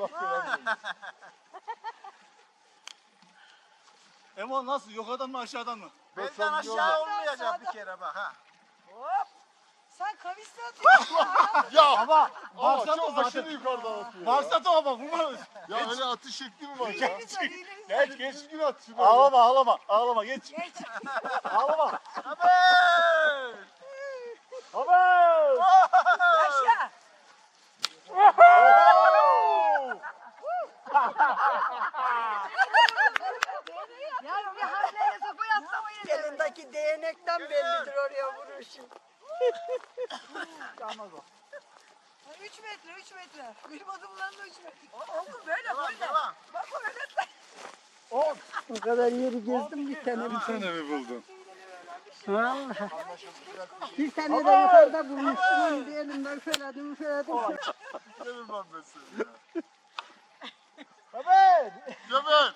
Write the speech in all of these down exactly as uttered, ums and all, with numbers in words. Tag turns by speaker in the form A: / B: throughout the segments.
A: Emo nasıl? Yukarıdan mı aşağıdan mı?
B: Benden aşağı olmayacak bir kere bak ha.
C: Hop. Sen kavisle atıyorsun.
D: Ya
A: Ama
D: ama
A: başladı
D: çok
A: zaten.
D: aşırı yukarıdan atıyor ya.
A: Başladı ama vurma.
D: Ya öyle atış şekli mi var ya?
C: Hileniz var, hileniz var.
A: Geç geç.
D: Düzgün at şunu.
A: Ağlama ağlama ağlama geç.
C: Geç.
A: Ağlama.
B: Haber!
A: Haber.
C: Yaşa. Yani bir hamleyle sopa yatlamayın.
E: Elindeki değnekten bellidir oraya vuruşu.
C: Üç metre, üç metre. Benim adımlarım da üç metre. Oldu böyle, böyle.
B: Devam.
C: Bak o böyle.
E: O kadar yeri gezdim bir tane bir
D: Bir tane mi buldun?
E: Vallahi. Bir tane de yukarıda bulmuştum onu bir elimden üfeledim üfeledim.
D: Gelin lan ben seni ya.
A: Haber.
D: Cebel.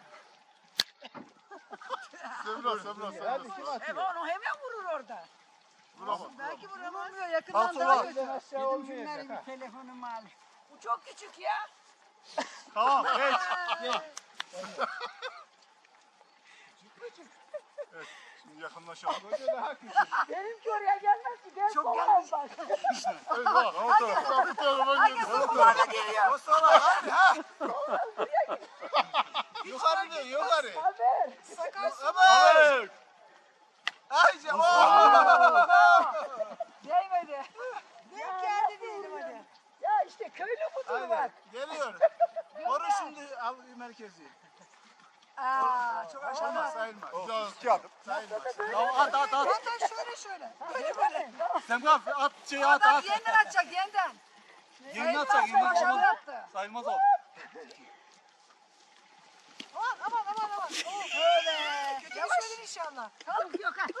D: Semra Semra sen de sıra.
C: Evet onu hemen vurur orada.
D: Vuramaz.
C: Belki vuramıyor, yakından
A: Kalk
C: daha
A: ulan.
C: kötü.
E: Dedim şunları bir telefonumu al.
C: Bu çok küçük ya.
A: Tamam geç.
D: Şimdi yakınlaşalım.
E: Benimki oraya gelmez ki ben
C: Çok
E: soğan
C: gelmiş.
E: bak.
D: Evet bak o tarafa. Bu tarafa gel.
C: Sopalarla geliyor.
B: O sola hadi ha. Yukarı diyor yukarı.
E: Haber.
C: Sakar su.
B: Haber!
A: Haber.
B: Ayşe ooo!
C: Değmedi. Denk geldi diyelim hadi.
E: Ya işte köylü budur bak.
B: Geliyor. Koru şimdi al merkezi.
C: Aa, çok
B: Olmaz
C: aşağıda.
B: sayılmaz.
D: Güzel.
A: İki adım.
B: Sayılmaz.
A: Tamam at at at.
C: Hatta şöyle şöyle. Böyle böyle.
A: Sen kalk at şeyi at
C: Adam
A: at.
C: yeniden atacak yeniden.
A: Yerini atacak yerini
C: Aşağıda
A: atacak.
C: attı.
A: Sayılmaz o.
C: Aman aman aman aman. Oh, öyle. Kötü düşmedin inşallah.
E: Yok yok ha.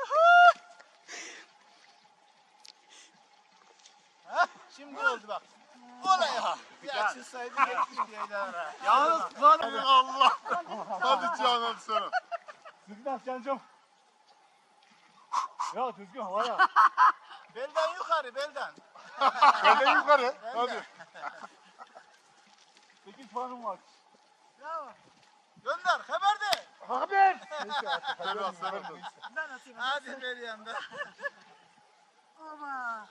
B: Hah, şimdi oldu bak. Olay ha. Bir açılsaydı yetmiş diyeler.
A: Yalnız lan.
D: Hadi Allah. Hadi Canan sana.
A: Düzgün at Cancım. Ya düzgün havaya.
B: Belden yukarı belden.
D: Benden yukarı. Hadi.
A: Sekiz puanım var.
C: Bravo.
B: Gönder haber de.
A: Haber.
D: Semra sen de.
C: Ben atayım.
B: Hadi ver yanında.
C: Ama.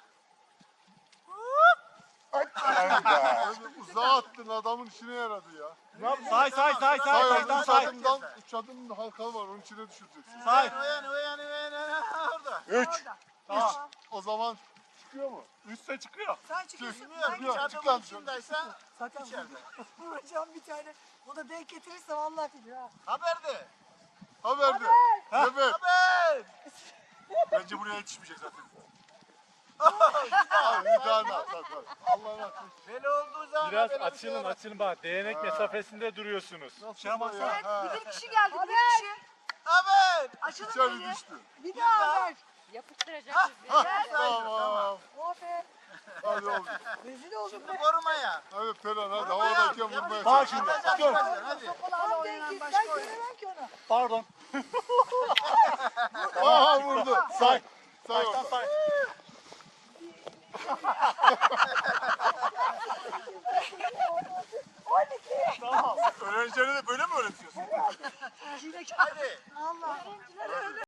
D: Uzağa attın adamın işine yaradı ya.
A: Say say say say
D: Say
A: saydan
D: üç
A: say.
D: adımdan, üç adımın halkalı var onun içine düşüreceksin.
A: Say.
B: Uyan uyan uyan uyan orada.
D: Üç.
A: Tamam.
D: O zaman çıkıyor mu?
A: Üste çıkıyor.
C: Sen çıkıyorsun.
B: Bilmiyorum
C: Ben
B: hiç
D: Yok, çık
B: adamın
D: lan.
B: içindeysen
C: Sakın
B: içeride.
C: vuracağım bir tane. O da denk getirirse vallahi gidiyor ha.
B: Haber de.
D: Haber de. Evet.
B: Haber.
D: Bence buraya yetişmeyecek zaten. Abi bir tane at at at. Allah'ın hakkı.
B: Böyle olduğu zaman
F: Biraz
B: böyle bir şey
F: açılın
B: olur.
F: açılın bak değnek mesafesinde duruyorsunuz.
A: Şey yapmazsan.
C: Evet,
D: Ha.
C: bir kişi geldi, bir kişi.
B: Haber.
C: Açılın
D: İçeri
C: beni.
D: düştü.
C: Bir daha haber.
E: Yapıştıracak
D: Tamam.
C: Aferin.
D: Hadi oldu.
C: Rezil oldum
B: Şimdi korumaya.
D: Hadi Ferhan hadi havadayken vurmaya
A: Bak
D: çalış.
A: şimdi.
B: Hadi.
A: Dur.
B: Hadi.
C: Tam denk git. Ben göremem ki onu.
A: Pardon.
D: Aha vurdu.
A: Say.
D: Say
A: Kaç